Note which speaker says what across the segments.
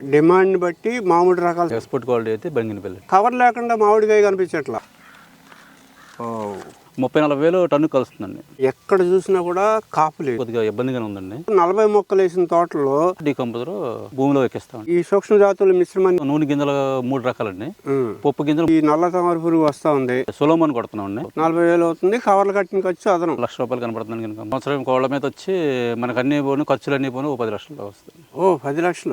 Speaker 1: Demand బట్టి మామిడి రకాలు
Speaker 2: ఎక్స్పోర్ట్ క్వాలిటీ అయితే బంగినపల్లి.
Speaker 1: కవర్ లేకుండా మామిడికాయ కనిపించట్లా.
Speaker 2: 30-40 టన్ను కలుస్తుందండి.
Speaker 1: ఎక్కడ చూసినా కూడా కాపు లేదు,
Speaker 2: కొద్దిగా ఇబ్బందిగానే ఉందండి.
Speaker 1: 40 మొక్కలు వేసిన తోటలో
Speaker 2: డీకంపోజర్ భూమిలో ఎక్కిస్తాం.
Speaker 1: ఈ సూక్ష్మ జాతుల మిశ్రమాన్ని
Speaker 2: నూనె గింజలు 3 రకాలండి. పప్పు గింజలు
Speaker 1: ఈ నల్ల తామర పురుగు వస్తా ఉంది,
Speaker 2: సులోమని కొడుతున్నాం.
Speaker 1: 40,000 అవుతుంది. కవర్లు కట్టిన ఖర్చు అదనం
Speaker 2: ₹1,00,000 కనపడుతుంది కనుక సంవత్సరం కోళ్ళ మీద వచ్చి మనకు అన్ని పోను ఖర్చులు అన్ని పోను 10 లక్షలు వస్తాయి.
Speaker 1: 10 లక్షలు.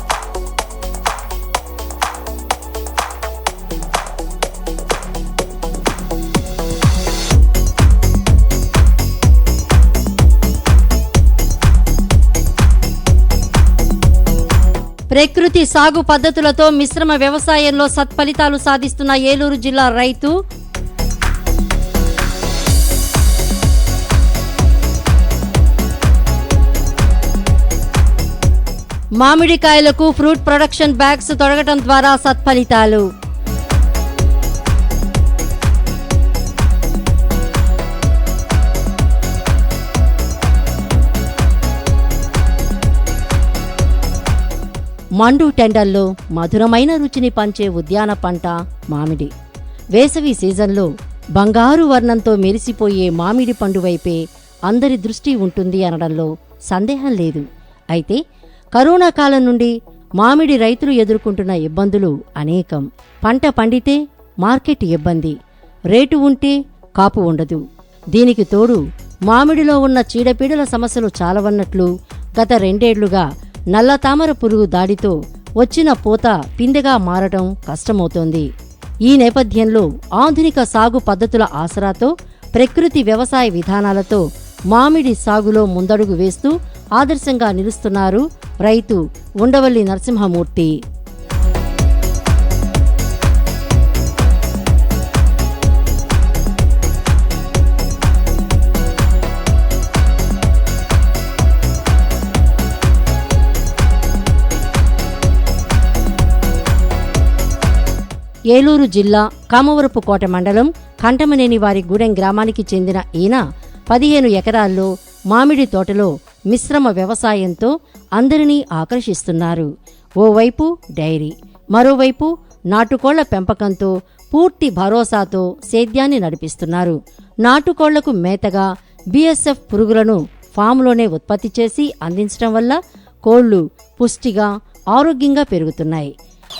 Speaker 3: ప్రకృతి సాగు పద్ధతులతో మిశ్రమ వ్యవసాయంలో సత్ఫలితాలు సాధిస్తున్న ఏలూరు జిల్లా రైతు. మామిడికాయలకు ఫ్రూట్ ప్రొడక్షన్ బ్యాగ్స్ తొడగటం ద్వారా సత్ఫలితాలు. మండు టెండల్లో మధురమైన రుచిని పంచే ఉద్యాన పంట మామిడి. వేసవి సీజన్లో బంగారు వర్ణంతో మెరిసిపోయే మామిడి పండు వైపే అందరి దృష్టి ఉంటుంది అనడంలో సందేహం లేదు. అయితే కరోనా కాలం నుండి మామిడి రైతులు ఎదుర్కొంటున్న ఇబ్బందులు అనేకం. పంట పండితే మార్కెట్ ఇబ్బంది, రేటు ఉంటే కాపు ఉండదు. దీనికి తోడు మామిడిలో ఉన్న చీడపీడల సమస్యలు చాలవన్నట్లు గత 2 ఏళ్లుగా నల్ల తామర పురుగు దాడితో వచ్చిన పూత పిందెగా మారటం కష్టమవుతోంది. ఈ నేపథ్యంలో ఆధునిక సాగు పద్ధతుల ఆసరాతో ప్రకృతి వ్యవసాయ విధానాలతో మామిడి సాగులో ముందడుగు వేస్తూ ఆదర్శంగా నిలుస్తున్నారు రైతు ఉండవల్లి నరసింహమూర్తి. ఏలూరు జిల్లా కామవరపుకోట మండలం కంటమనేనివారి గూడెం గ్రామానికి చెందిన ఈయన 15 ఎకరాల్లో మామిడి తోటలో మిశ్రమ వ్యవసాయంతో అందరినీ ఆకర్షిస్తున్నారు. ఓవైపు డైరీ, మరోవైపు నాటుకోళ్ల పెంపకంతో పూర్తి భరోసాతో సేద్యాన్ని నడిపిస్తున్నారు. నాటుకోళ్లకు మేతగా BSF పురుగులను ఫామ్లోనే ఉత్పత్తి చేసి అందించడం వల్ల కోళ్లు పుష్టిగా ఆరోగ్యంగా పెరుగుతున్నాయి.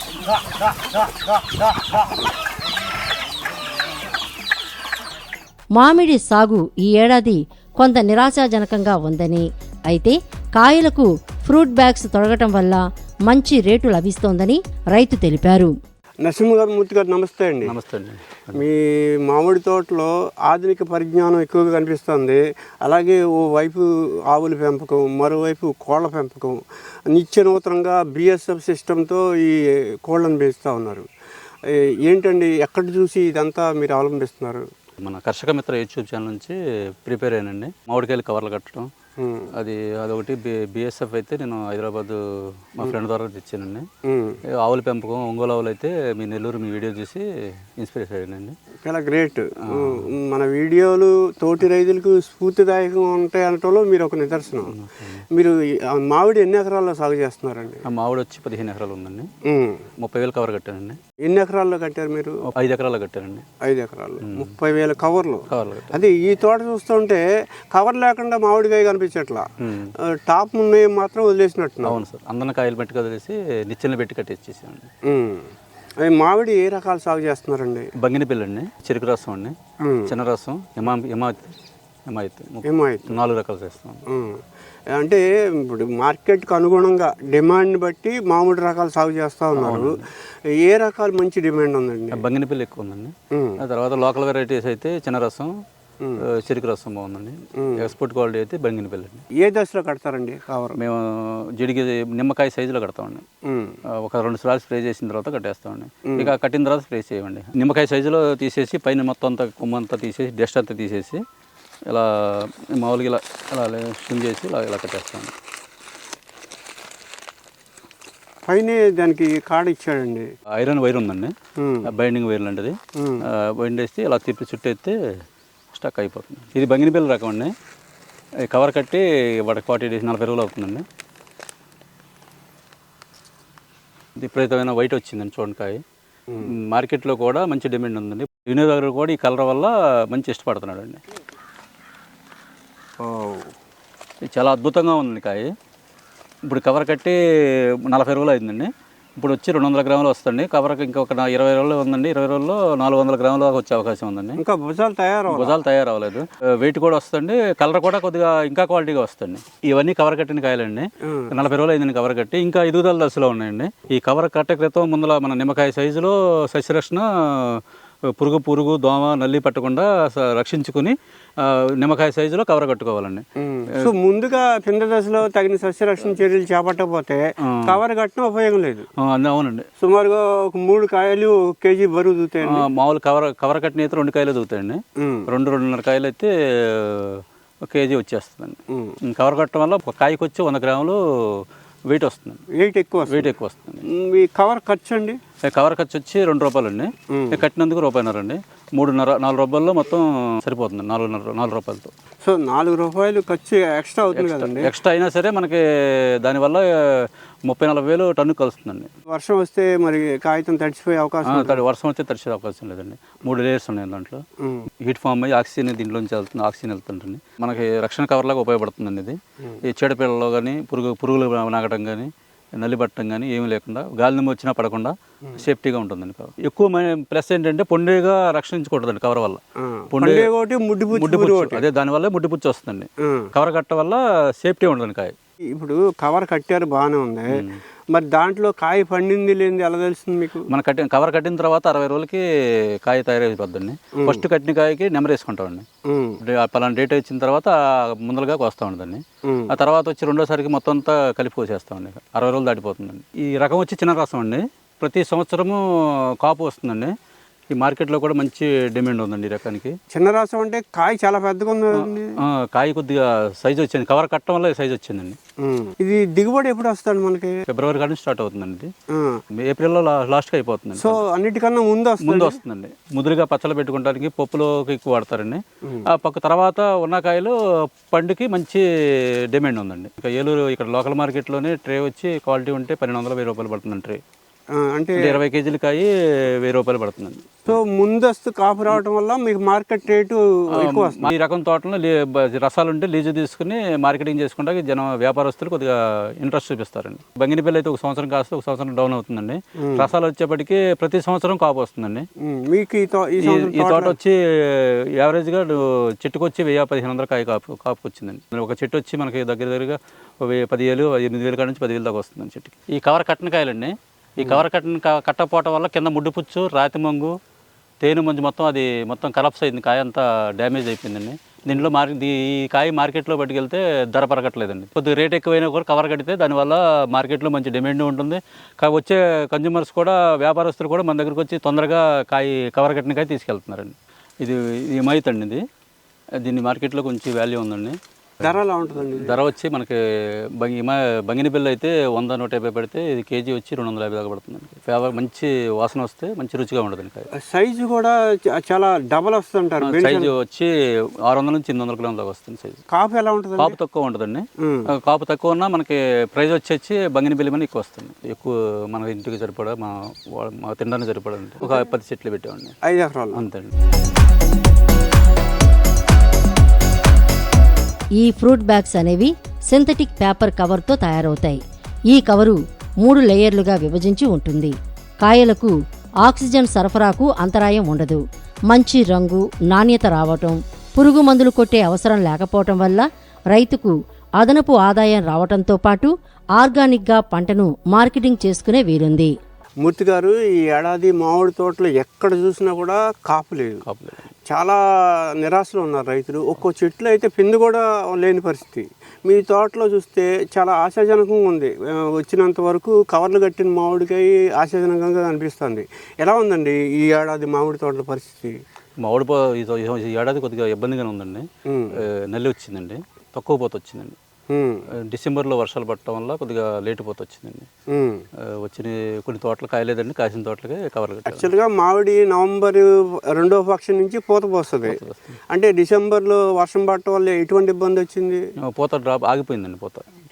Speaker 3: మామిడి సాగు ఈ ఏడాది కొంత నిరాశాజనకంగా ఉందని, అయితే కాయలకు ఫ్రూట్ బ్యాగ్స్ తొడగటం వల్ల మంచి రేటు లభిస్తోందని రైతు తెలిపారు.
Speaker 1: నరసింహమూర్తి గారు నమస్తే అండి.
Speaker 2: నమస్తే అండి.
Speaker 1: మీ మామిడి తోటలో ఆధునిక పరిజ్ఞానం ఎక్కువగా కనిపిస్తుంది. అలాగే ఓ వైపు ఆవుల పెంపకం, మరోవైపు కోళ్ల పెంపకం, నిత్య నూతనంగా BSF సిస్టంతో ఈ కోళ్లను పెంచుతూ ఉన్నారు. ఏంటండి, ఎక్కడ చూసి ఇదంతా మీరు అవలంబిస్తున్నారు?
Speaker 2: మన కర్షక మిత్ర యూట్యూబ్ ఛానల్ నుంచి ప్రిపేర్ అయ్యానండి. మామిడికాయలు కవర్లు కట్టడం అదొకటి. BSF అయితే నేను హైదరాబాద్ మా ఫ్రెండ్ ద్వారా తెచ్చానండి. ఆవుల పెంపకం, ఒంగోలు ఆవులు అయితే మీ నెల్లూరు మీ వీడియో చూసి ఇన్స్పిరేషన్ అయ్యానండి.
Speaker 1: చాలా గ్రేట్. మన వీడియోలు తోటి రైతులకు స్ఫూర్తిదాయకంగా ఉంటాయి అనటంలో మీరు ఒక నిదర్శనం. మీరు మామిడి ఎన్ని ఎకరాల్లో సాగు చేస్తున్నారండి?
Speaker 2: మామిడి వచ్చి 15 ఎకరాలు ఉందండి. 30,000 కవర్ కట్టానండి.
Speaker 1: ఎన్ని ఎకరాల్లో కట్టారు మీరు?
Speaker 2: 5 ఎకరాల్లో కట్టానండి.
Speaker 1: 5 ఎకరాల్లో 30,000 కవర్లు. అది ఈ తోట చూస్తుంటే కవర్ లేకుండా మామిడికాయ కనిపించట్లా, టాప్ ఉన్నాయి మాత్రం వదిలేసినట్టు.
Speaker 2: అవును సార్, అందరిని కాయలు పెట్టి వదిలేసి నిచ్చెన పెట్టి కట్టేసేసామండి.
Speaker 1: మామిడి ఏ రకాలు సాగు చేస్తున్నారండి?
Speaker 2: బంగినపల్లి అండి, చెరుకు రసం అండి, చిన్న రసం, హిమాయత్ 4 రకాలు చేస్తాం.
Speaker 1: అంటే ఇప్పుడు మార్కెట్కి అనుగుణంగా డిమాండ్ బట్టి మామిడి రకాలు సాగు చేస్తూ ఉన్నారు. ఏ రకాలు మంచి డిమాండ్ ఉందండి?
Speaker 2: బంగినపల్లి ఎక్కువ ఉందండి. ఆ తర్వాత లోకల్ వెరైటీస్ అయితే చిన్న రసం, చెరుకు రసం బాగుందండి. ఎక్స్పోర్ట్ క్వాలిటీ అయితే బంగినపల్లి అండి.
Speaker 1: ఏ దశలో కడతారండి కవర్?
Speaker 2: మేము జిడికి నిమ్మకాయ సైజులో కడతామండి. ఒక 2 సార్లు స్ప్రే చేసిన తర్వాత కట్టేస్తామండి. ఇక కట్టిన తర్వాత స్ప్రే చేయండి. నిమ్మకాయ సైజులో తీసేసి పైన మొత్తం అంతా కొమ్మంతా తీసేసి డస్ట్ అంతా తీసేసి ఇలా మామూలుగా ఇలా ఇలా స్విమ్ చేసి ఇలా కట్టేస్తామండి.
Speaker 1: పైన దానికి కాడ ఇచ్చాడండి.
Speaker 2: ఐరన్ వైర్ ఉందండి, బైండింగ్ వైర్ లాంటిది. బైండ్ వేస్తే ఇలా తిప్పి చుట్టేస్తే స్టక్ అయిపోతుంది. ఇది బంగినపల్లి రకం అండి. కవర్ కట్టి వాటికి 40 డేస్ 40 రోజులు అవుతుందండి. విపరీతమైన వైట్ వచ్చిందండి చూడకాయ. మార్కెట్లో కూడా మంచి డిమాండ్ ఉందండి. వినియోగదారులు కూడా ఈ కలర్ వల్ల మంచి ఇష్టపడుతున్నాడు అండి. ఇది చాలా అద్భుతంగా ఉందండి కాయ. ఇప్పుడు కవర్ కట్టి 40 రోజులు అయిందండి. ఇప్పుడు వచ్చి 200 గ్రాములు వస్తుంది. కవర్కి ఇంకొక 20 రోజులు ఉందండి. 20 రోజుల్లో 400 గ్రాములు వచ్చే అవకాశం ఉందండి.
Speaker 1: ఇంకా భుజాలు
Speaker 2: తయారవ్వలేదు. వెయిట్ కూడా వస్తుంది. కలర్ కూడా కొద్దిగా ఇంకా క్వాలిటీగా వస్తుంది. ఇవన్నీ కవర్ కట్టిన కాయలండి. 40 రోజులు అయిందండి కవర్ కట్టి. ఇంకా ఎదుగుదల దశలో ఉన్నాయండి. ఈ కవర్ కట్టే క్రితం ముందుల మన నిమ్మకాయ సైజులో సస్యరక్షణ పురుగు దోమ నల్లి పట్టకుండా రక్షించుకుని నిమ్మకాయ సైజులో కవర్ కట్టుకోవాలండి.
Speaker 1: సో ముందుగా పిండ దశలో తగిన సస్యరక్షణ చర్యలు చేపట్టకపోతే కవర్ కట్టిన ఉపయోగం లేదు.
Speaker 2: అవునండి.
Speaker 1: సుమారుగా ఒక 3 కాయలు 1 కేజీ బరువు దూతాయి.
Speaker 2: మామూలు కవర్ కట్టిన అయితే 2 కాయలు దూతాయండి. 2-2.5 కాయలు అయితే 1 కేజీ వచ్చేస్తుందండి. కవర్ కట్టడం వల్ల ఒక కాయకి వచ్చి 100 గ్రాములు వెయిట్ వస్తుంది.
Speaker 1: వెయిట్ ఎక్కువ వస్తుంది. మీ కవర్ ఖర్చు అండి?
Speaker 2: కవర్ ఖర్చు వచ్చి 2 రూపాయలు అండి. కట్టినందుకు ₹1.5 అండి. 3.5-4 రూపాయల్లో మొత్తం సరిపోతుంది. 4 రూపాయలతో.
Speaker 1: సో 4 రూపాయలు ఖర్చు ఎక్స్ట్రా అవుతుంది కదండి.
Speaker 2: ఎక్స్ట్రా అయినా సరే మనకి దానివల్ల 30-40 వేలు టన్ను కలుస్తుందండి.
Speaker 1: వర్షం వస్తే మరి కాగితం తడిచిపోయే అవకాశం?
Speaker 2: వర్షం వస్తే తడిచే అవకాశం లేదండి. 3 లేయర్స్ ఉన్నాయి దాంట్లో. హీట్ ఫామ్ అయ్యి ఆక్సిజన్ దీంట్లోంచి వెళ్తుంది. ఆక్సిజన్ వెళ్తుంటుంది. మనకి రక్షణ కవర్ లాగా ఉపయోగపడుతుందండి ఇది. ఈ చీడపీడలో కానీ పురుగులు నాగటం కానీ నల్లి పట్టడం కానీ ఏమీ లేకుండా గాలి వచ్చినా పడకుండా సేఫ్టీగా ఉంటుందండి కవర్. ఎక్కువ ప్లస్ ఏంటంటే పొండిగా రక్షించకూడదండి కవర్ వల్ల. ముడ్డిపుచ్చు అదే దానివల్ల ముడ్డిపుచ్చు వస్తుందండి. కవర్ కట్ట వల్ల సేఫ్టీ ఉండదండి కాయ.
Speaker 1: ఇప్పుడు కవర్ కట్టారు బాగానే ఉంది. మరి దాంట్లో కాయ పండింది లేనిది ఎలా తెలుస్తుంది మీకు?
Speaker 2: కవర్ కట్టిన తర్వాత 60 రోజులకి కాయ తయారైపోద్దండి. ఫస్ట్ కట్టిన కాయకి నెంబర్ వేసుకుంటామండి. పలానా డేట్ ఇచ్చిన తర్వాత ముందరగా వస్తూ ఉంటుందండి. ఆ తర్వాత వచ్చి రెండోసారికి మొత్తం అంతా కలిపి కోసేస్తామండి. 60 రోజులు దాటిపోతుందండి. ఈ రకం వచ్చి చిన్న రసం అండి. ప్రతి సంవత్సరము కాపు వస్తుందండి. ఈ మార్కెట్లో కూడా మంచి డిమాండ్ ఉందండి ఈ రకానికి.
Speaker 1: చిన్న రసం అంటే కాయ చాలా పెద్దగా ఉంది.
Speaker 2: కాయ కొద్దిగా సైజు వచ్చింది. కవర్ కట్టడం వల్ల సైజు వచ్చిందండి.
Speaker 1: ఇది దిగుబడి ఎప్పుడు వస్తుంది మనకి?
Speaker 2: ఫిబ్రవరి కాడి నుంచి స్టార్ట్ అవుతుందండి. ఏప్రిల్లో లాస్ట్కి అయిపోతుంది.
Speaker 1: సో అన్నిటికన్నా ముందు
Speaker 2: వస్తుందండి. ముదురుగా పచ్చలు పెట్టుకోవడానికి పప్పులోకి ఎక్కువ వాడతారండి. ఆ పక్క తర్వాత ఉన్న కాయలు పండుకి మంచి డిమాండ్ ఉందండి. ఇక ఏలూరు ఇక్కడ లోకల్ మార్కెట్లోనే ట్రే వచ్చి క్వాలిటీ ఉంటే 1200-1000 రూపాయలు పడుతుందండి ట్రే. అంటే 20 కేజీల కాయ 1000 రూపాయలు పడుతుందండి.
Speaker 1: సో ముందస్తు కాపు రావడం వల్ల మీకు మార్కెట్ రేటు ఎక్కువ వస్తుంది.
Speaker 2: ఈ రకం తోటలో రసాలు ఉంటే లీజు తీసుకుని మార్కెటింగ్ చేసుకుంటే వ్యాపారస్తులు కొద్దిగా ఇంట్రెస్ట్ చూపిస్తారండి. బంగినపల్లి అయితే 1 సంవత్సరం కాస్తే 1 సంవత్సరం డౌన్ అవుతుందండి. రసాలు వచ్చేప్పటికి ప్రతి సంవత్సరం కాపు వస్తుందండి. మీకు ఈ తోట వచ్చి యావరేజ్గా చెట్టుకు వచ్చి 1000-1500 కాయ కాపు వచ్చిందండి. ఒక చెట్టు వచ్చి మనకి దగ్గరగా 10,000-8,000 కాడ నుంచి 10,000 దాకా వస్తుందండి చెట్టుకి. ఈ కవర్ కట్టిన కాయలండి. ఈ కవర్ కట్టకపోవటం వల్ల కింద ముడ్డిపుచ్చు, రాతి మంగు, తేనె మంజు మొత్తం కలప్స్ అయింది. కాయ అంతా డ్యామేజ్ అయిపోయిందండి. దీంట్లో ఈ కాయ మార్కెట్లో పట్టుకెళ్తే ధర పరగట్లేదండి. కొద్దిగా రేట్ ఎక్కువైనా కూడా కవర్ కడితే దానివల్ల మార్కెట్లో మంచి డిమాండ్ ఉంటుంది. వచ్చే కన్జ్యూమర్స్ కూడా వ్యాపారస్తులు కూడా మన దగ్గరకు వచ్చి తొందరగా కవర్ కట్టిన కాయ తీసుకెళ్తున్నారండి. ఇది హిమాయత్ అండి. దీన్ని మార్కెట్లో కొంచెం వాల్యూ ఉందండి.
Speaker 1: ధర ఎలా ఉంటుందండి?
Speaker 2: ధర వచ్చి మనకి బంగినపల్లి అయితే 100-150 పెడితే ఇది కేజీ వచ్చి 250 దాకా పడుతుందండి. మంచి వాసన వస్తే మంచి రుచిగా ఉంటుందండి.
Speaker 1: సైజు కూడా చాలా డబల్ వస్తుంటారు.
Speaker 2: సైజు వచ్చి 600-800 గ్రాముల దాకా వస్తుంది సైజు.
Speaker 1: కాపు ఎలా ఉంటుంది?
Speaker 2: కాపు తక్కువ ఉంటుందండి. కాపు తక్కువ ఉన్నా మనకి ప్రైస్ వచ్చి బంగినపల్లి మన ఎక్కువ వస్తుంది. ఎక్కువ మన ఇంటికి సరిపడా మా తినడానికి సరిపడా ఒక 10 చెట్లు పెట్టామండి.
Speaker 1: 5 ఎకరాలు
Speaker 2: అంతే అండి.
Speaker 3: ఈ ఫ్రూట్ బ్యాగ్స్ అనేవి సింథటిక్ పేపర్ కవర్తో తయారవుతాయి. ఈ కవరు 3 లేయర్లుగా విభజించి ఉంటుంది. కాయలకు ఆక్సిజన్ సరఫరాకు అంతరాయం ఉండదు. మంచి రంగు, నాణ్యత రావటం, పురుగు మందులు కొట్టే అవసరం లేకపోవటం వల్ల రైతుకు అదనపు ఆదాయం రావటంతో పాటు ఆర్గానిక్గా పంటను మార్కెటింగ్ చేసుకునే వీలుంది.
Speaker 1: మూర్తి గారు, ఈ ఏడాది మామిడి తోటలో ఎక్కడ చూసినా కూడా కాపు లేదు. చాలా నిరాశలో ఉన్నారు రైతులు. ఒక్కో చెట్లు అయితే పిండి కూడా లేని పరిస్థితి. మీ తోటలో చూస్తే చాలా ఆశాజనకంగా ఉంది. వచ్చినంత వరకు కవర్లు కట్టిన మామిడికాయ ఆశాజనకంగా అనిపిస్తుంది. ఎలా ఉందండి ఈ ఏడాది మామిడి తోటల పరిస్థితి?
Speaker 2: ఈ ఏడాది కొద్దిగా ఇబ్బందిగానే ఉందండి. నల్లి వచ్చిందండి, తక్కువ పోత వచ్చిందండి. డిసెంబర్లో వర్షాలు పడటం వల్ల కొద్దిగా లేటు పోత వచ్చిందండి. వచ్చిన కొన్ని తోటలు కాయలేదండి, కాసిన తోటలకి కవర్ కట్టారు.
Speaker 1: యాక్చువల్గా మామిడి నవంబర్ 2వ పక్షం నుంచి పూత పోస్తుంది. అంటే డిసెంబర్లో వర్షం పడటం వల్ల ఎటువంటి ఇబ్బంది వచ్చింది?
Speaker 2: పూత డ్రాప్ ఆగిపోయిందండి. పూత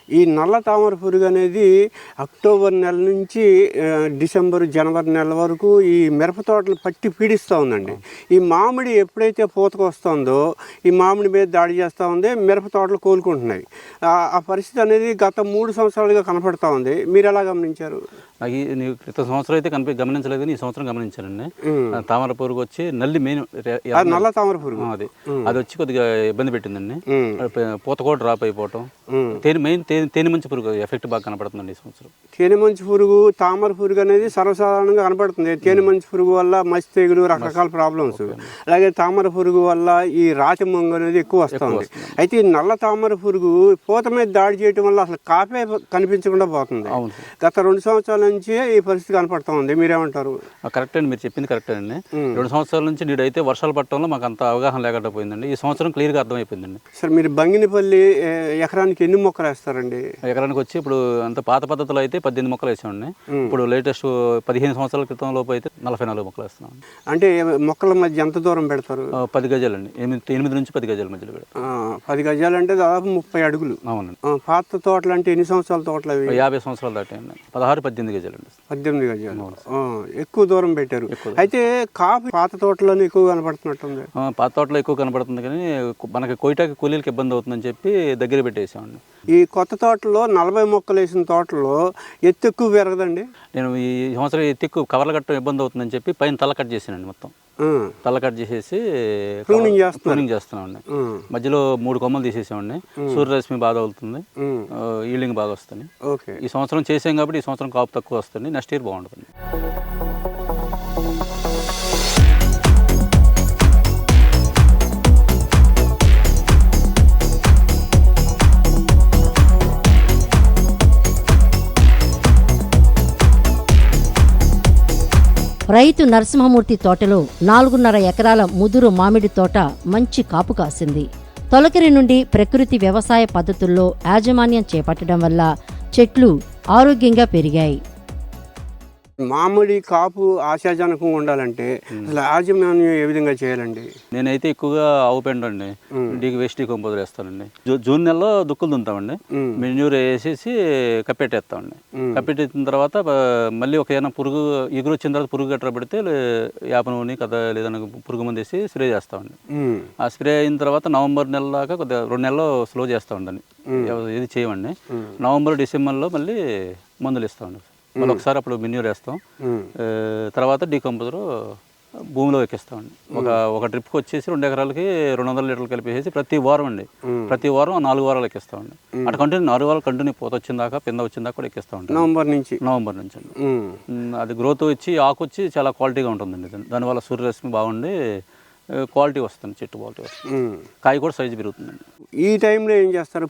Speaker 1: ఈ నల్ల తామర పురుగు అనేది అక్టోబర్ నెల నుంచి డిసెంబర్ జనవరి నెల వరకు ఈ మిరప తోటలు పట్టి పీడిస్తూ ఉందండి. ఈ మామిడి ఎప్పుడైతే పూతకు వస్తుందో ఈ మామిడి మీద దాడి చేస్తూ ఉంది, మిరప తోటలు కోలుకుంటున్నాయి. ఆ పరిస్థితి అనేది గత 3 సంవత్సరాలుగా కనపడతా ఉంది. మీరు ఎలా గమనించారు?
Speaker 2: నాకు నీకు క్రితం సంవత్సరం అయితే గమనించలేదు, కానీ ఈ సంవత్సరం గమనించానండి. తామర పురుగు వచ్చి నల్లి మెయిన్
Speaker 1: నల్ల తామర పురుగు
Speaker 2: అది వచ్చి కొద్దిగా ఇబ్బంది పెట్టిందండి. పూత కూడా డ్రాప్ అయిపోవటం. తేనె మంచి పురుగు ఎఫెక్ట్ బాగా కనపడుతుందండి ఈ సంవత్సరం.
Speaker 1: తేనె మంచి పురుగు, తామర పురుగు అనేది సర్వసాధారణంగా కనపడుతుంది. తేనె మంచి పురుగు వల్ల మసి తెగులు, రకరకాల ప్రాబ్లమ్స్. అలాగే తామర పురుగు వల్ల ఈ రాతి మంగు అనేది ఎక్కువ వస్తుంది. అయితే ఈ నల్ల తామర పురుగు పూత మీద దాడి చేయడం వల్ల అసలు కాపే కనిపించకుండా పోతుంది. గత 2 సంవత్సరాల నుంచి ఈ పరిస్థితి కనపడతా ఉంది. మీరేమంటారు?
Speaker 2: కరెక్ట్ అండి, మీరు చెప్పింది కరెక్ట్ అండి. 2 సంవత్సరాల నుంచి నేడైతే వర్షాలు పట్టడంలో మాకు అంత అవగాహన లేకుండా పోయిందండి. ఈ సంవత్సరం క్లియర్గా అర్థమైపోయిందండి.
Speaker 1: సార్, మీరు బంగినపల్లి ఎకరానికి ఎన్ని మొక్కలు వేస్తారండి?
Speaker 2: ఎకరానికి వచ్చి ఇప్పుడు అంత పాత పద్ధతిలో అయితే 18 మొక్కలు వేసామండి. ఇప్పుడు లేటెస్ట్ 15 సంవత్సరాల క్రితం లోపు అయితే 44 మొక్కలు వేస్తున్నాం.
Speaker 1: అంటే మొక్కల మధ్య ఎంత దూరం పెడతారు?
Speaker 2: 10 గజాలండి. 8 నుంచి 10 గజాల మధ్యలో పెడతాం.
Speaker 1: 10 గజాలు అంటే దాదాపు 30 అడుగులు.
Speaker 2: అవునండి.
Speaker 1: పాత తోటలు అంటే ఎన్ని సంవత్సరాల తోటలు అవి?
Speaker 2: 50 సంవత్సరాలు దాటాయండి. 16-18 గజాలండి.
Speaker 1: 18 గజాలు. ఎక్కువ దూరం పెట్టారు. అయితే కాపు పాత తోటలోనే ఎక్కువ కనపడుతున్నట్టుంది.
Speaker 2: పాత తోటలో ఎక్కువ కనపడుతుంది, కానీ మనకి కోయిటాకి కూలీలకు ఇబ్బంది అవుతుందని చెప్పి దగ్గర పెట్టేసామండి.
Speaker 1: ఈ కొత్త తోటలో 40 మొక్కలు వేసిన తోటలో ఎత్తు ఎక్కువ పెరగదండి.
Speaker 2: నేను ఈ సంవత్సరం ఎత్తు ఎక్కువ కవర్లు కట్టడం ఇబ్బంది అవుతుందని చెప్పి పైన తల కట్ చేసానండి. మొత్తం తల కట్ చేసేసి ప్రూనింగ్ చేస్తున్నామండి. మధ్యలో 3 కొమ్మలు తీసేసామండి. సూర్యరశ్మి బాగా అవుతుంది, ఈల్డింగ్ బాగా వస్తుంది. ఈ సంవత్సరం చేసాం కాబట్టి ఈ సంవత్సరం కాపు తక్కువ వస్తుంది. నెక్స్ట్ ఇయర్ బాగుంటుంది.
Speaker 3: రైతు నరసింహమూర్తి తోటలో 4.5 ఎకరాల ముదురు మామిడి తోట మంచి కాపు కాసింది. తొలకరి నుండి ప్రకృతి వ్యవసాయ పద్ధతుల్లో యాజమాన్యం చేపట్టడం వల్ల చెట్లు ఆరోగ్యంగా పెరిగాయి.
Speaker 1: మామిడి కాపు ఆశాజనకంగా ఉండాలంటే అసలు యాజమాన్యం ఏ విధంగా చేయాలండి?
Speaker 2: నేనైతే ఎక్కువగా ఆవు పెండ అండి, వేస్ట్ డీకంపోజర్ వేస్తానండి. జూన్ నెలలో దుక్కులు దుంతామండి. మెన్యూర్ వేసేసి కప్పెట్టేస్తామండి. కప్పెట్టిన తర్వాత మళ్ళీ ఒక ఏదైనా పురుగు ఎగురు వచ్చిన తర్వాత పురుగు గట్రా పెడితే యాప నూనె కదా లేదన్నా పురుగు మందు వేసి స్ప్రే చేస్తామండి. ఆ స్ప్రే అయిన తర్వాత నవంబర్ నెల దాకా కొద్దిగా 2 నెలలు స్లో చేస్తామండి. ఏది చేయమండి. నవంబర్ డిసెంబర్లో మళ్ళీ మందులు ఇస్తామండి. మళ్ళీ ఒకసారి అప్పుడు మెన్యూర్ వేస్తాం. తర్వాత డీకంపోజర్ భూమిలో ఎక్కిస్తామండి. ఒక ట్రిప్కి వచ్చేసి 2 ఎకరాలకి 200 లీటర్లు కలిపేసి ప్రతి వారం 4 వారాలు ఎక్కిస్తామండి. అటు కంటిన్యూ 4 వారాలు కంటిన్యూ పూత వచ్చిందాకా పింద వచ్చిందాకా కూడా ఎక్కిస్తామండి. నవంబర్ నుంచి అండి. అది గ్రోత్ వచ్చి ఆకు వచ్చి చాలా క్వాలిటీగా ఉంటుందండి. దానివల్ల సూర్యరశ్మి బాగుండి క్వాలిటీ వస్తుంది, చెట్టు క్వాలిటీ వస్తుంది, కాయ కూడా సైజు పెరుగుతుందండి.
Speaker 1: ఈ టైంలో ఏం చేస్తారు?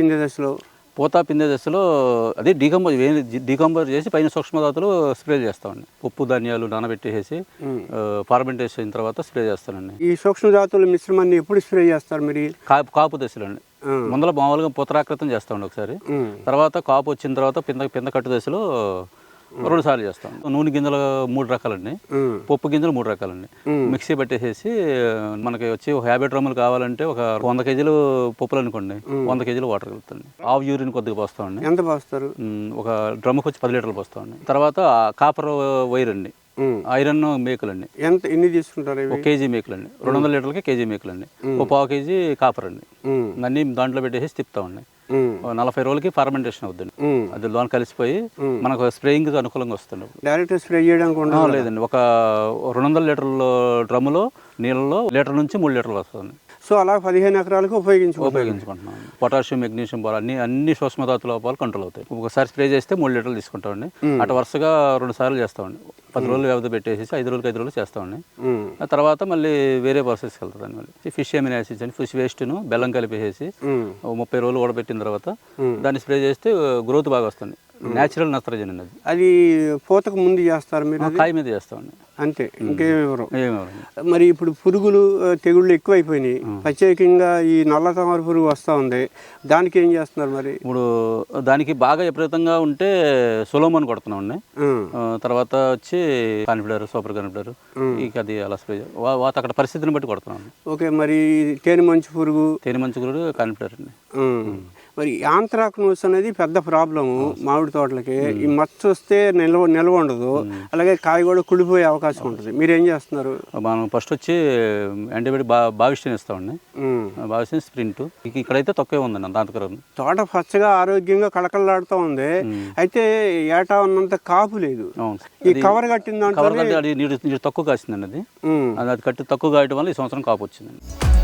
Speaker 2: పూత పిందే దశలో అదే డీకంపోజ్ చేసి పైన సూక్ష్మధాతులు స్ప్రే చేస్తామండి. పప్పు ధాన్యాలు నానబెట్టేసి ఫార్మెంటేషన్ అయిన తర్వాత స్ప్రే చేస్తానండి.
Speaker 1: ఈ సూక్ష్మధాతుల మిశ్రమాన్ని ఎప్పుడు స్ప్రే చేస్తారు మీరు?
Speaker 2: కాపు దశలో అండి. ముందర మామూలుగా పూతరాకృతం చేస్తామండి ఒకసారి. తర్వాత కాపు వచ్చిన తర్వాత పింద కట్టు దశలో 2 సార్లు చేస్తాం. నూనె గింజలు 3 రకాలండి, పప్పు గింజలు 3 రకాలండి. మిక్సీ పట్టేసేసి మనకి వచ్చి 50 డ్రమ్ములు కావాలంటే ఒక 100 కేజీలు పప్పులు అనుకోండి, 100 కేజీలు వాటర్ కలుపుతాండి. ఆవు యూరిన్ కొద్దిగా పోస్తామండి.
Speaker 1: ఎంత పోస్తారు?
Speaker 2: ఒక డ్రమ్ముకి వచ్చి 10 లీటర్లు పోస్తామండి. తర్వాత కాపర్ వైర్ అండి, ఐరన్ మేకులండి.
Speaker 1: ఎన్ని తీసుకుంటారు?
Speaker 2: 1 కేజీ మేకులండి. 200 లీటర్లకి కేజీ మేకులండి. 1/4 కేజీ కాపర్ అండి. అన్నీ దాంట్లో పెట్టేసి తిప్పుతామండి. 40 రోజులకి ఫార్మెంటేషన్ అవుతుంది. అది లోన్ కలిసిపోయి మనకు స్ప్రేయింగ్ అనుకూలంగా వస్తుంది.
Speaker 1: డైరెక్ట్ స్ప్రే చేయడానికి
Speaker 2: లేదండి. ఒక 200 లీటర్ల డ్రమ్ములో నీళ్ళలో 1 లీటర్ నుంచి 3 లీటర్లు వస్తుంది.
Speaker 1: సో అలా 15 ఎకరాలకు
Speaker 2: ఉపయోగించుకుంటున్నాం. పొటాషియం, మెగ్నీషియం, బోర్ అన్ని సూక్ష్మధాతు లోపాలు కంట్రోల్ అవుతాయి. ఒకసారి స్ప్రే చేస్తే 3 లీటర్లు తీసుకుంటామండి. అటు వరుసగా 2 సార్లు చేస్తామండి. 10 రోజులు వ్యవధి పెట్టేసి 5 రోజులకి 5 రోజులు చేస్తామండి. ఆ తర్వాత మళ్ళీ వేరే ప్రాసెస్కి వెళ్తుంది. మళ్ళీ ఫిష్ అమినో యాసిడ్స్ అని ఫిష్ వేస్ట్ను బెల్లం కలిపేసి 30 రోజులు ఊడబెట్టిన తర్వాత దాన్ని స్ప్రే చేస్తే గ్రోత్ బాగా వస్తుంది. న్యాచురల్ నత్రజని అండి.
Speaker 1: అది పూతకు ముందు చేస్తారు మీరు?
Speaker 2: కాయ మీద చేస్తామండి
Speaker 1: అంతే, ఇంకేమివ్వరు. మరి ఇప్పుడు పురుగులు తెగుళ్ళు ఎక్కువైపోయినాయి. ప్రత్యేకంగా ఈ నల్ల తామర పురుగు వస్తూ ఉంది, దానికి ఏం చేస్తున్నారు మరి?
Speaker 2: ఇప్పుడు దానికి బాగా విపరీతంగా ఉంటే సొలోమోన్ కొడుతున్నామండి. తర్వాత వచ్చి కాన్ఫిడర్, సూపర్ కాన్ఫిడర్, ఇక అది అలా స్ప్రే అక్కడ పరిస్థితిని బట్టి కొడుతున్నాం.
Speaker 1: ఓకే, మరి తేనె మంచు పురుగు
Speaker 2: కాన్ఫిడర్ అండి.
Speaker 1: మరి యాంత్రాక్నోస్ అనేది పెద్ద ప్రాబ్లము మామిడి తోటలకి. ఈ మచ్చ వస్తే నిల్వ ఉండదు, అలాగే కాయ కూడా కుడిపోయే అవకాశం ఉంటుంది. మీరు ఏం చేస్తున్నారు?
Speaker 2: మనం ఫస్ట్ వచ్చి యాంటీబయాటిక్ భావిష్టిని ఇస్తామండి. భావిష్టిని స్ప్రింట్ ఇక్కడైతే తక్కువే ఉందండి అంతకరం.
Speaker 1: తోట పచ్చగా ఆరోగ్యంగా కళకళలాడుతూ ఉంది, అయితే ఏటా ఉన్నంత కాపు లేదు. ఈ కవర్ కట్టిన దాంట్లో
Speaker 2: అది నీరు తక్కువ కాసిందండి. అది కట్టి తక్కువ కాయటం వల్ల ఈ సంవత్సరం కాపు వచ్చిందండి.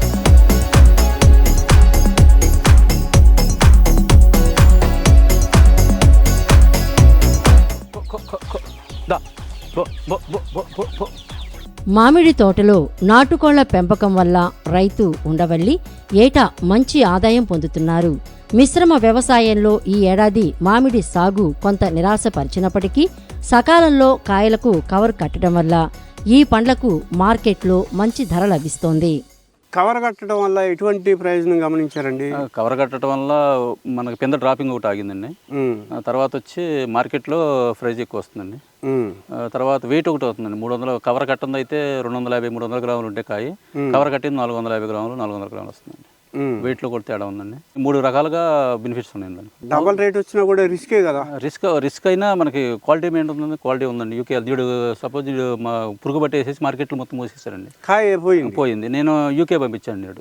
Speaker 3: మామిడి తోటలో నాటుకోళ్ల పెంపకం వల్ల రైతు ఉండవల్లి ఏటా మంచి ఆదాయం పొందుతున్నారు. మిశ్రమ వ్యవసాయంలో ఈ ఏడాది మామిడి సాగు కొంత నిరాశపరిచినప్పటికీ సకాలంలో కాయలకు కవర్ కట్టడం వల్ల ఈ పండ్లకు మార్కెట్లో మంచి ధర లభిస్తోంది.
Speaker 1: కవర్ కట్టడం వల్ల ఎటువంటి ప్రయోజనం గమనించారండి?
Speaker 2: కవర్ కట్టడం వల్ల మనకి కింద డ్రాపింగ్ ఒకటి ఆగిందండి. తర్వాత వచ్చి మార్కెట్లో ప్రైజ్ ఎక్కువ వస్తుందండి. తర్వాత వెయిట్ ఒకటి అవుతుందండి. 300 కవర్ కట్టింది అయితే 250, 300 గ్రాములు ఉంటే కాయ, కవర్ కట్టింది 450 గ్రాములు, 400 గ్రాములు వస్తుందండి. వెయిట్లో కూడా తేడా ఉందండి. 3 రకాలుగా బెనిఫిట్స్ ఉన్నాయండి.
Speaker 1: డబల్ రేట్ వచ్చినా కూడా రిస్కే కదా.
Speaker 2: రిస్క్ అయినా మనకి క్వాలిటీ మెయింటైన్ క్వాలిటీ ఉందండి. యూకే దీడు సపోజ్ మా పురుగు పట్టేసేసి మార్కెట్లో మొత్తం మూసేసారండి.
Speaker 1: కాయ పోయింది. నేను
Speaker 2: యూకే పంపించాను నేడు.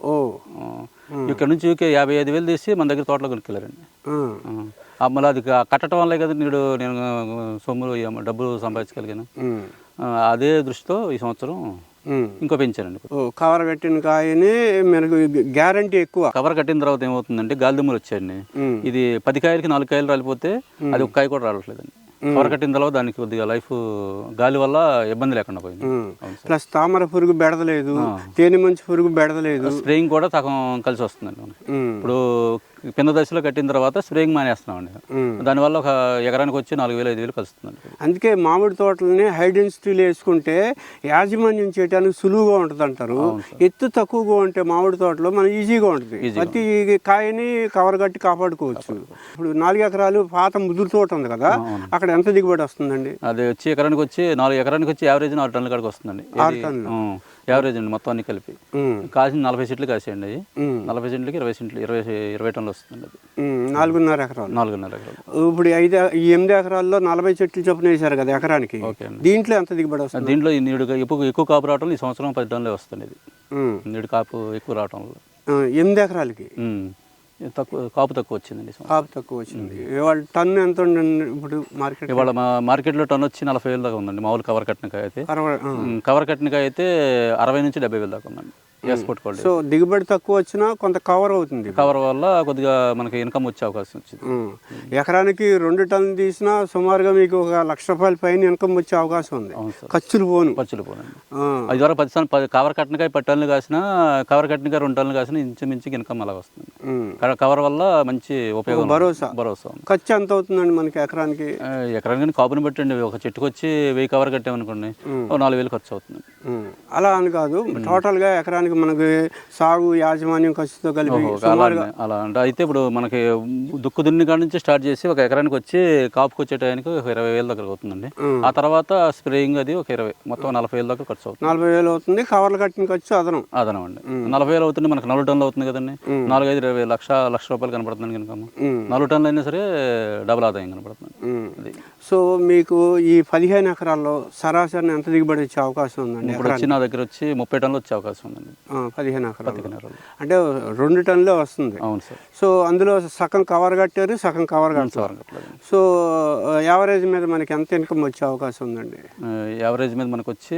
Speaker 2: ఇక్కడ నుంచి యూకే 55,000 తీసి మన దగ్గర తోటలో కొనుక్కెళ్ళారండి. మళ్ళీ అది కట్టడం వల్లే కదా నేను సొమ్ములు డబ్బులు సంపాదించగలిగాను. అదే దృష్టితో ఈ సంవత్సరం ఇంకో పెంచానండి.
Speaker 1: కవర్ కట్టిన కాయని మనకు గ్యారంటీ ఎక్కువ.
Speaker 2: కవర్ కట్టిన తర్వాత ఏమవుతుందంటే గాలిదుమ్మలు వచ్చాయండి. ఇది 10 కాయలకి 4 కాయలు రాలిపోతే అది ఒక కాయ కూడా రావట్లేదండి. కవర్ కట్టిన తర్వాత దానికి కొద్దిగా లైఫ్ గాలి వల్ల ఇబ్బంది లేకుండా పోయింది.
Speaker 1: ప్లస్ తామర పురుగు బెడదలేదు, తేనె మంచి పురుగు బెడదలేదు.
Speaker 2: స్ప్రేయింగ్ కూడా సగం కలిసి వస్తుందండి మనకి. ఇప్పుడు కింద దశలో కట్టిన తర్వాత స్ప్రేయింగ్ మానేస్తున్నామండి. దానివల్ల ఒక ఎకరానికి వచ్చి 4,000-5,000 కలుస్తుందండి.
Speaker 1: అందుకే మామిడి తోటలని హై డెన్సిటీలో వేసుకుంటే యాజమాన్యం చేయడానికి సులువుగా ఉంటుంది అంటారు. ఎత్తు తక్కువగా ఉంటే మామిడి తోటలో మనం ఈజీగా ఉంటుంది, ప్రతి కాయని కవర్ కట్టి కాపాడుకోవచ్చు. ఇప్పుడు 4 ఎకరాలు పాత ముదురు తోట ఉంది కదా, అక్కడ ఎంత దిగుబడి వస్తుందండి?
Speaker 2: అది వచ్చి ఎకరానికి వచ్చి 4 ఎకరానికి వచ్చి యావరేజ్ 4 టన్నుల కాడికి వస్తుందండి.
Speaker 1: 6 టన్నులు
Speaker 2: యావరేజ్ అండి. మొత్తం అన్ని కలిపి కాసిన 40 చెట్లు కాసేయండి. అవి 40 చెట్లకి 20 టన్నులు వస్తుంది. అది
Speaker 1: 4.5 ఎకరాలు.
Speaker 2: 4.5 ఎకరాలు.
Speaker 1: ఇప్పుడు 8 ఎకరాల్లో 40 చెట్లు చొప్పున వేశారు కదా ఎకరానికి. దీంట్లో ఎంత దిగుబడి వస్తుంది?
Speaker 2: దీంట్లో నీడు ఎక్కువ కాపు రావటం ఈ సంవత్సరం 10 టన్నులే వస్తుంది. ఇది నీడు కాపు ఎక్కువ రావటం వల్ల
Speaker 1: 8 ఎకరాలకి
Speaker 2: కాపు తక్కువ వచ్చిందండి.
Speaker 1: కాపు తక్కువ వచ్చింది. ఇవాళ టన్ను ఎంత ఉండండి ఇప్పుడు మార్కెట్?
Speaker 2: ఇవాళ మార్కెట్లో టన్ను వచ్చి 40,000 దాకా ఉందండి. మామూలు కవర్ కట్టిన కాయ అయితే కవర్ కట్టిన కాయ అయితే 60 నుంచి 70,000 దాకా ఉందండి. Export quality.
Speaker 1: సో దిగుబడి తక్కువ వచ్చినా కొంత కవర్ అవుతుంది.
Speaker 2: కవర్ వల్ల కొద్దిగా మనకి ఇన్కమ్ వచ్చే అవకాశం వచ్చింది.
Speaker 1: ఎకరానికి 2 టన్నులు తీసినా సుమారుగా మీకు ఒక ₹1,00,000 పైన ఇన్కమ్ వచ్చే అవకాశం ఉంది. ఖర్చులు పోను.
Speaker 2: 5 వరకు 10 కవర్ కట్టినకాయ 10 టన్నులు కాసినా, కవర్ కట్టినకాయ 2 టన్నులు కాసినా ఇంచుమించుకి ఇన్కమ్ అలా వస్తుంది. కవర్ వల్ల మంచి ఉపయోగం, భరోసా.
Speaker 1: ఖర్చు ఎంత అవుతుందండి మనకి ఎకరానికి?
Speaker 2: ఎకరానికి కాపుని బట్టండి. ఒక చెట్టుకు వచ్చి 1000 కవర్ కట్టామనుకోండి, 4,000 ఖర్చు అవుతుంది.
Speaker 1: అలా అని కాదు, టోటల్ గా ఎకరానికి మనకి సాగు యాజమాన్యం ఖర్చుతో కలిపి
Speaker 2: అలా అంటే. అయితే ఇప్పుడు మనకి దుక్కు దున్ని కాడ నుంచి స్టార్ట్ చేసి ఒక ఎకరానికి వచ్చి కాపుకి వచ్చే టైంకి 20,000 దగ్గర అవుతుందండి. ఆ తర్వాత స్ప్రేయింగ్ అది ఒక 20, మొత్తం 40,000 దాకా ఖర్చు అవుతుంది.
Speaker 1: 40,000 అవుతుంది. కవర్లు కట్టిన ఖర్చు అదనం
Speaker 2: అండి. 40,000 అవుతుంది. మనకి 4 టన్నులు అవుతుంది కదండి. 4-5 లక్ష రూపాయలు కనపడుతుంది ఇన్కమ్. 4 టన్నులు అయినా సరే డబుల్ ఆదాయం కనపడుతుంది.
Speaker 1: సో మీకు ఈ 15 ఎకరాల్లో సరాసరి ఎంత దిగుబడి వచ్చే అవకాశం ఉందండి?
Speaker 2: ఇప్పుడు వచ్చి నా దగ్గర వచ్చి 30 టన్నులు వచ్చే అవకాశం ఉందండి.
Speaker 1: 15 ఎకరాలు అంటే 2 టన్నులే వస్తుంది.
Speaker 2: అవును సార్.
Speaker 1: సో అందులో సగం కవర్ కట్టారు, సగం కవర్ కట్టారు. సో యావరేజ్ మీద మనకి ఎంత ఇన్కమ్ వచ్చే అవకాశం ఉందండి?
Speaker 2: యావరేజ్ మీద మనకు వచ్చి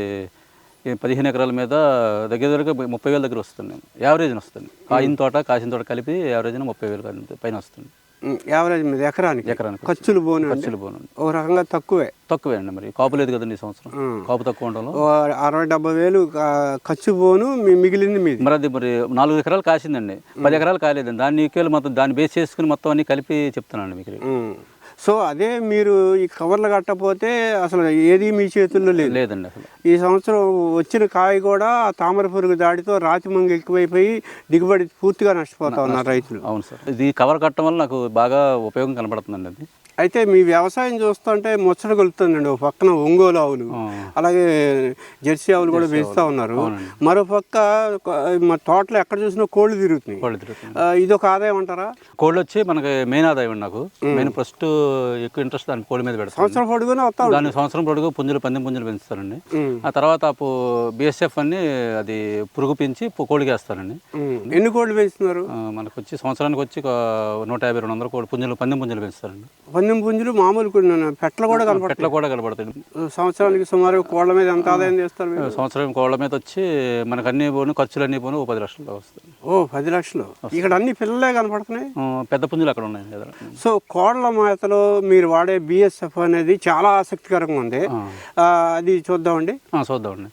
Speaker 2: 15 ఎకరాల మీద దగ్గర 30,000 దగ్గర వస్తుంది. యావరేజ్ వస్తుంది. కాసిన తోట కలిపి యావరేజ్ 30,000 పైన వస్తుంది.
Speaker 1: యావరేజ్ మీద ఎకరానికి ఖర్చులు పోను. ఒక రకంగా తక్కువే
Speaker 2: అండి. మరి కాపు లేదు కదండి ఈ సంవత్సరం. కాపు తక్కువ ఉండడం
Speaker 1: 60-70,000 ఖర్చు పోను, మిగిలింది మీది.
Speaker 2: మరి అది 4 ఎకరాలు కాసిందండి, 10 ఎకరాలు కాలేదండి. దాన్ని ఈక్వల్ మొత్తం దాన్ని బేస్ చేసుకుని మొత్తం అన్ని కలిపి చెప్తానండి మీకు.
Speaker 1: సో అదే మీరు ఈ కవర్లు కట్టకపోతే అసలు ఏది మీ చేతుల్లో
Speaker 2: లేదండి. అసలు
Speaker 1: ఈ సంవత్సరం వచ్చిన కాయ కూడా తామర పురుగు దాడితో రాతి మంగు ఎక్కువైపోయి దిగుబడి పూర్తిగా నష్టపోతా ఉన్నారు రైతులు.
Speaker 2: అవును సార్, ఇది కవర్ కట్టడం వల్ల నాకు బాగా ఉపయోగం కనబడుతుందండి. అది
Speaker 1: అయితే మీ వ్యవసాయం చూస్తుంటే ముచ్చట కొలుతుందండి. ఒక పక్కన ఒంగోలు ఆవులు, అలాగే జెర్సీ ఆవులు కూడా పెంచుతా ఉన్నారు. మరో పక్క మా తోటలో ఎక్కడ చూసినా కోళ్ళు తిరుగుతున్నాయి. ఇది ఒక ఆదాయం అంటారా?
Speaker 2: కోళ్ళు వచ్చి మనకి మెయిన్ ఆదాయం అండి. నాకు మెయిన్ ఫస్ట్ ఎక్కువ ఇంట్రెస్ట్ దాని కోళ్ళ మీద పెడతాను.
Speaker 1: సంవత్సరం పొడుగునే వస్తాం.
Speaker 2: దాని సంవత్సరం పొడుగు పుంజులు పందెం పుంజులు పెంచుతారండి. ఆ తర్వాత బిఎస్ఎఫ్ అని అది పురుగు పెంచి కోడికి వేస్తారండి.
Speaker 1: ఎన్ని కోళ్ళు పెంచుతున్నారు?
Speaker 2: మనకు వచ్చి సంవత్సరానికి వచ్చి 150-200 కోడి పుంజులు పందెం పుంజులు పెంచుతారండి.
Speaker 1: పందెం పుంజులు మామూలు పెట్లు కూడా
Speaker 2: కనపడతాయి.
Speaker 1: సంవత్సరానికి సుమారు కోళ్ళ మీద ఎంత ఆదాయం చేస్తారు?
Speaker 2: సంవత్సరం కోళ్ళ మీద వచ్చి మనకు అన్ని పోను ఖర్చులు అన్ని పోను 10 లక్షలు వస్తాయి.
Speaker 1: 10 లక్షలు. ఇక్కడ అన్ని పిల్లలే కనపడుతున్నాయి.
Speaker 2: పెద్ద పుంజులు అక్కడ ఉన్నాయి.
Speaker 1: సో కోళ్ళ మేతలో మీరు వాడే బిఎస్ఎఫ్ అనేది చాలా ఆసక్తికరంగా ఉంది. అది చూద్దామండి.
Speaker 2: చూద్దామండి.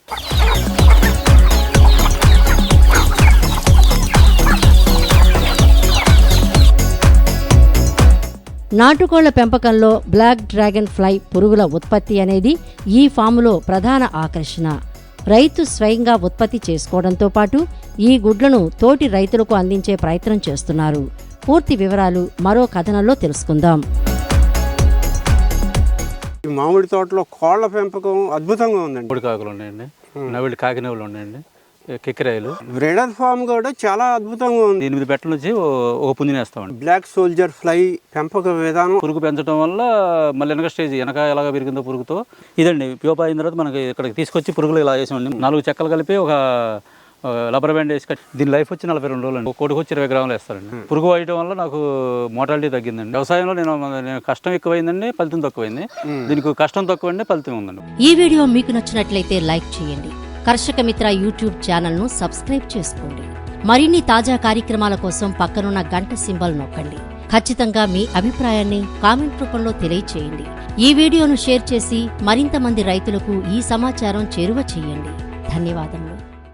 Speaker 3: నాటుకోళ్ల పెంపకంలో బ్లాక్ డ్రాగన్ ఫ్లై పురుగుల ఉత్పత్తి అనేది ఈ ఫాములో ప్రధాన ఆకర్షణ. రైతు స్వయంగా ఉత్పత్తి చేసుకోవడంతో పాటు ఈ గుడ్లను తోటి రైతులకు అందించే ప్రయత్నం చేస్తున్నారు. పూర్తి వివరాలు మరో కథనంలో తెలుసుకుందాం.
Speaker 1: మామిడి తోటలో కోళ్ల పెంపకం అద్భుతంగా ఉందండి.
Speaker 2: పొడి కాకులు ఉన్నాయండి, నవిళ్ళు కాకినవులు ఉన్నాయండి, కిక్కిరాయలు.
Speaker 1: బ్రీడర్ ఫామ్ కూడా చాలా అద్భుతంగా ఉంది.
Speaker 2: 8 పెట్టల నుంచి ఒక పుంజిని వేస్తామండి.
Speaker 1: బ్లాక్ సోల్జర్ ఫ్లై పెంపక విధానం.
Speaker 2: పురుగు పెంచడం వల్ల మళ్ళీ వెనక స్టేజ్ వెనక ఎలాగ పెరిగిందో పురుగుతో ఇదండి ప్యూపా అయిన తర్వాత మనకి ఇక్కడికి తీసుకొచ్చి పురుగులు ఇలా వేసామండి. 4 చెక్కలు కలిపి ఒక రబ్బర్ బ్యాండ్ వేసి కట్టి దీని లైఫ్ వచ్చి 42 రోజులు అండి. ఒక కోడికి వచ్చి 20 గ్రాములు వేస్తారండి. పురుగు వేయడం వల్ల నాకు మోటాలిటీ తగ్గిందండి. వ్యవసాయంలో నేను కష్టం ఎక్కువైందండి, ఫలితం తక్కువైంది. దీనికి కష్టం తక్కువైంది, ఫలితం ఉందండి.
Speaker 3: ఈ వీడియో మీకు నచ్చినట్లయితే లైక్ చేయండి. కర్షక మిత్ర యూట్యూబ్ ఛానల్ను సబ్స్క్రైబ్ చేసుకోండి. మరిన్ని తాజా కార్యక్రమాల కోసం పక్కనున్న గంట సింబల్ నొక్కండి. ఖచ్చితంగా మీ అభిప్రాయాన్ని కామెంట్ రూపంలో తెలియచేయండి. ఈ వీడియోను షేర్ చేసి మరింత మంది రైతులకు ఈ సమాచారం చేరువ చేయండి. ధన్యవాదములు.